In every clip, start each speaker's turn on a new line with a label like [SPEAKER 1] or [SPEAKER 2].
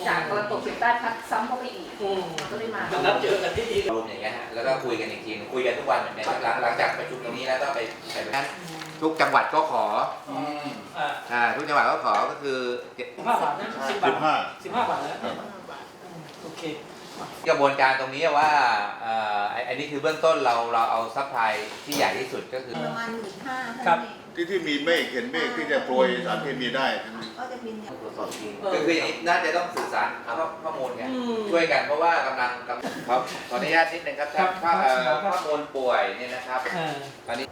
[SPEAKER 1] จากตะวันตกเฉียงใต้พัดซ้ำเข้าไปอีกก็เลยมา
[SPEAKER 2] นัดเจอกันที่ดี
[SPEAKER 3] รวมอย่างเงี้ยฮะแล้วก็คุยกันอีกทีคุยกันทุกวันเหมือนกันหลังจากประชุมตรงนี้แล้วก็ไปทุกจังหวัดก็ขอทุกจังหวัดก็ขอก็คือ
[SPEAKER 2] 15 บาทนะ10 บาท15 บาทแล้วโอเค
[SPEAKER 3] กระบวนการตรงนี้ว่าอันนี้คือเบื้องต้นเราเอาซัพพลายที่ใหญ่ที่สุดก็คือ
[SPEAKER 4] ประมาณ15,000
[SPEAKER 2] ครับ
[SPEAKER 5] ที่มีเมฆเห็นเมฆที่จะโปรยสารเคมีได้
[SPEAKER 4] ก็จะบินอย่าง
[SPEAKER 3] ตรวจสอบทีคืออย่างนี้น่าจะต้องสื่อสารข้อมูลไงช่วยกันเพราะว่ากำลังครับขออนุญาตนิดนึงครับข้อมูลป่วยเนี่ยนะครับตอนนี้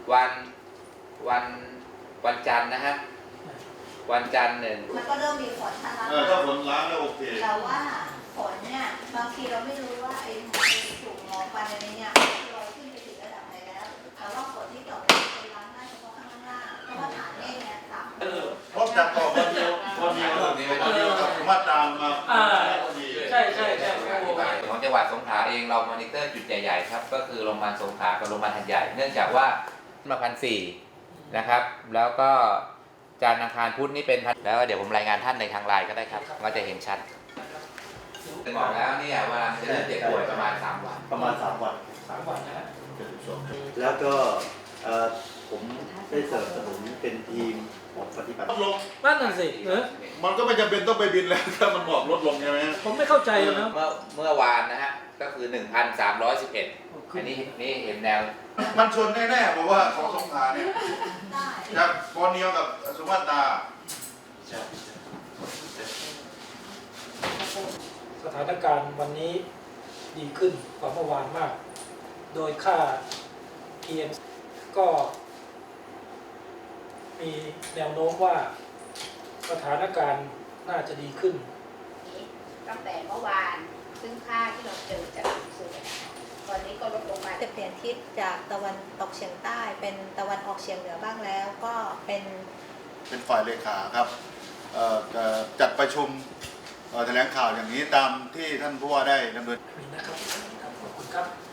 [SPEAKER 3] วันจันทร์นะฮะวันจันทร์1
[SPEAKER 4] มันก็เริ่มมีฝนนะคะ
[SPEAKER 5] ถ้าฝนล้างแล้วโอเค
[SPEAKER 4] แต่ว่าฝนเนี่ยบางทีเราไม่รู้ว่าไอ้ถูกหมอกควันอะไรเนี่ยลอยขึ้นไปถึงระดับไหนแล้วแต่ว่าฝนที่ตกไปล้างได้เฉพาะข้างล่างเพราะว่าฐานเมฆเนี่ยต่ำ
[SPEAKER 5] เพราะจากก่อนวันเดียวกับมาตามมา
[SPEAKER 2] ใช่
[SPEAKER 3] ของจังหวัดสงขลาเองเรามอนิเตอร์จุดใหญ่ๆครับก็คือโรงพยาบาลสงขลากับโรงพยาบาลหัดใหญ่เนื่องจากว่ามา1,400นะครับแล้วก็จันทร์อังคารพุธนี่เป็นแล้วเดี๋ยวผมรายงานท่านในทางไลน์ก็ได้ครับก็จะเห็นชัดบอกแล้วเนี่ยว่าจะเริ่มเจ็บป่วยประมาณ3 วัน
[SPEAKER 5] ประมาณ3 วัน
[SPEAKER 2] นะ
[SPEAKER 6] แล้วก็ผมได้สนับสนุนเป็นทีมของปฏิบัติ
[SPEAKER 5] ลดลง
[SPEAKER 2] นั่นน่ะสิ
[SPEAKER 5] มันก็ไม่จำเป็นต้องไปบินแล้วถ้ามันบอกลดลงใช่ไหม
[SPEAKER 2] ผมไม่เข้าใจเลยนะ
[SPEAKER 3] เมื่อวานนะฮะก็คือ 1,311 อันนี้นี่เห็นแนว
[SPEAKER 5] มันชนแน่ๆเพราะว่าของสงขลาเนี่ยจากบอร์เนียวกับสุมาตรา
[SPEAKER 2] สถานการณ์วันนี้ดีขึ้นกว่าเมื่อวานมาก โดยค่า PM ก็มีแนวโน้มว่าสถานการณ์น่าจะดีขึ้น
[SPEAKER 1] ตั้งแต่เมื่อวานซึ่งค่าที่เราเจอจากสูงตอนนี้ก็ลดลงมา
[SPEAKER 4] จะเปลี่ยนทิศจากตะวันตกเฉียงใต้เป็นตะวันออกเฉียงเหนือบ้างแล้วก็เป็น
[SPEAKER 5] ฝ่ายเลขาครับจัดประชุมแถลงข่าวอย่างนี้ตามที่ท่านผู้ว่าได้ดำเนิน
[SPEAKER 2] นะครับขอบคุณครับ